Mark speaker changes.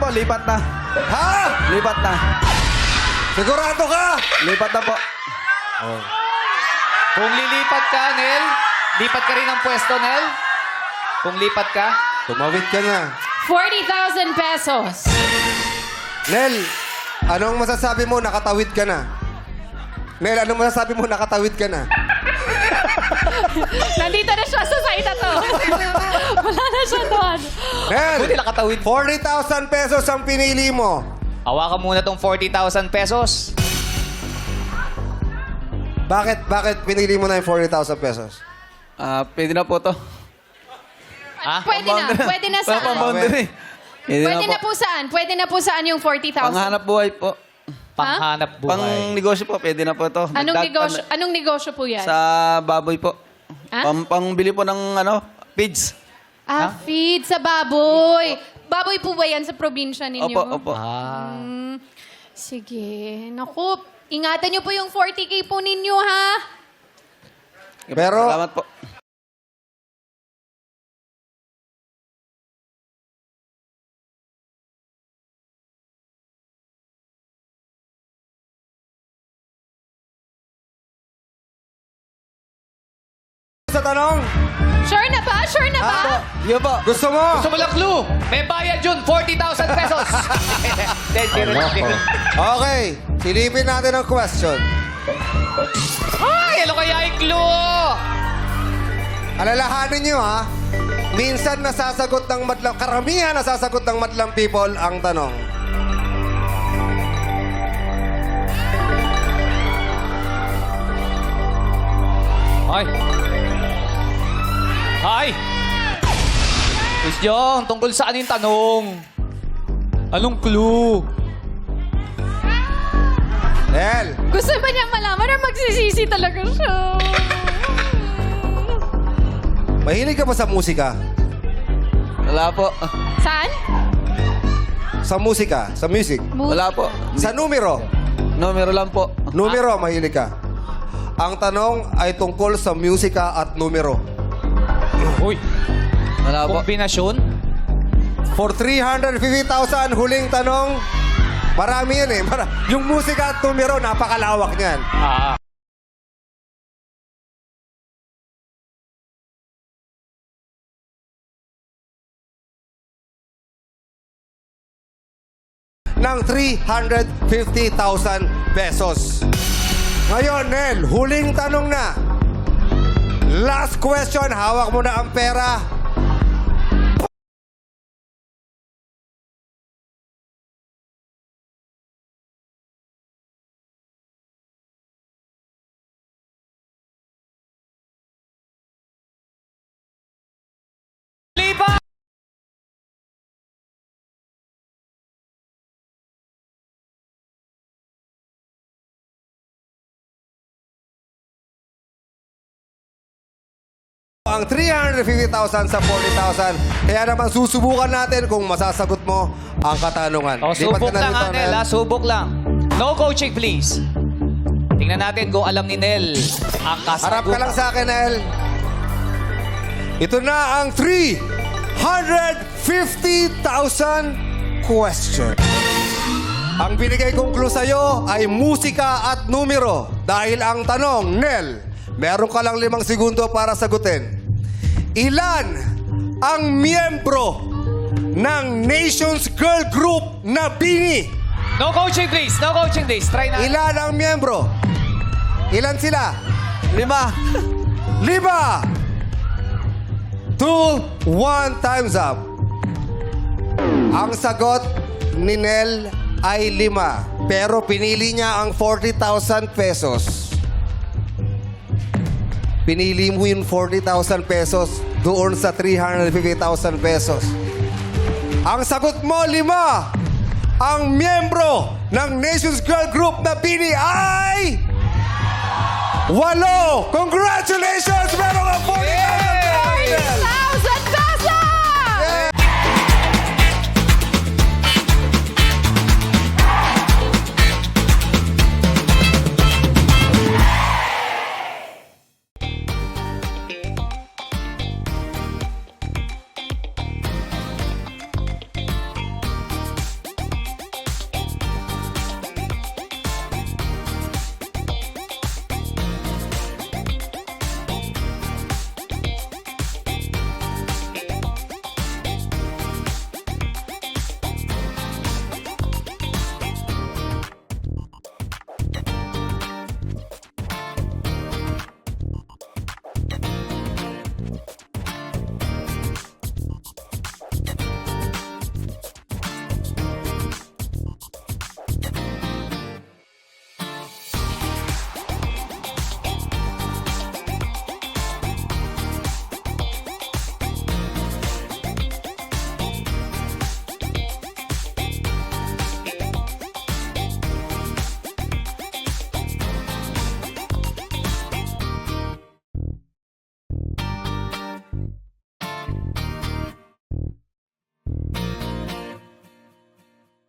Speaker 1: lipat na.
Speaker 2: Ha?
Speaker 1: Lipat na.
Speaker 2: Sigurado ka?
Speaker 1: Lipat na po.
Speaker 3: Kung lilipat ka, Nel, lipat ka rin ng pwesto, Nel. Kung lipat ka,
Speaker 2: Tumawid ka na.
Speaker 4: 40,000 pesos.
Speaker 2: Nel, anong masasabi mo? Nakatawid ka na. Nel, anong masasabi mo? Nakatawid ka na.
Speaker 4: Nandito na siya sa side na to. Wala na siya doon.
Speaker 2: Nel,
Speaker 3: buti nakatawid.
Speaker 2: 40,000 pesos ang pinili mo.
Speaker 3: Hawakan muna tong 40,000 pesos.
Speaker 2: Bakit pinili mo na yung 40,000 pesos?
Speaker 1: Pwede na po to.
Speaker 3: Ha?
Speaker 4: Pwede na saan?
Speaker 1: Pang-boundary.
Speaker 4: Pwede na po saan? Pwede na po saan yung 40,000?
Speaker 1: Panghanap buhay po.
Speaker 3: Panghanap buhay.
Speaker 1: Pang-negosyo po, pwede na po to.
Speaker 4: Anong negosyo po yan?
Speaker 1: Sa baboy po.
Speaker 4: Ha?
Speaker 1: Pangbili po ng feeds.
Speaker 4: Feed sa baboy. Baboy po ba yan sa probinsya ninyo?
Speaker 1: Opo.
Speaker 4: Sige. Naku, ingatan niyo po yung 40K po ninyo, ha?
Speaker 2: Pero-
Speaker 1: Salamat po.
Speaker 2: Sa tanong,
Speaker 4: Sure na ba? Sure na ba?
Speaker 1: Yo po.
Speaker 2: gusto mo?
Speaker 3: Gusto mo lang clue? May bayad yun, 40,000 pesos.
Speaker 2: Okay, silipin natin ang question.
Speaker 3: Ay, ano kaya yung clue?
Speaker 2: Alalahanin nyo ha, minsan nasasagot ng madlang, karamihan nasasagot ng madlang people ang tanong.
Speaker 3: Hi! Miss Jong, tungkol saan yung tanong? Anong clue?
Speaker 2: Nel,
Speaker 4: Gusto ba niya malaman or magsisisi talaga siya?
Speaker 2: mahilig ka ba sa musika?
Speaker 1: Wala po.
Speaker 4: Saan?
Speaker 2: Sa musika? Sa music?
Speaker 1: Wala po.
Speaker 2: Sa numero?
Speaker 1: Numero lang po.
Speaker 2: Numero, mahilig ka. Ang tanong ay tungkol sa musika at numero.
Speaker 3: Uy,
Speaker 1: Wala po.
Speaker 3: kombinasyon?
Speaker 2: For 350,000, huling tanong. Marami yan eh. Yung musika at numero, napakalawak niyan. Ng 350,000 pesos. Ngayon, Nel, huling tanong na. Last question, hawak mo na ang pera.
Speaker 3: Lipat!
Speaker 2: Ang 350,000 sa 40,000. Kaya naman susubukan natin kung masasagot mo ang katanungan.
Speaker 3: O,
Speaker 2: Lipat
Speaker 3: subok
Speaker 2: ka na
Speaker 3: lang,
Speaker 2: rito,
Speaker 3: Nel, ha? Subok lang. No coaching, please. Tingnan natin kung alam ni Nel ang kasagutan.
Speaker 2: Harap ka lang sa akin, Nel. Ito na ang 350,000 question. Ang binigay kong clue sa'yo ay musika at numero. Dahil ang tanong, Nel, meron ka lang 5 segundo para sagutin. Ilan ang miyembro ng Nations Girl Group na Bini?
Speaker 3: No coaching, please. No coaching, please. Try na.
Speaker 2: Ilan ang miyembro? Ilan sila?
Speaker 1: 5.
Speaker 2: 5, 2, 1, time's up. Ang sagot ni Nel ay 5. Pero pinili niya ang 40,000 pesos. Pinili mo yung 40,000 pesos doon sa 350,000 pesos. Ang sagot mo, 5. Ang miyembro ng Nations Girl Group na Bini ay 8! Congratulations,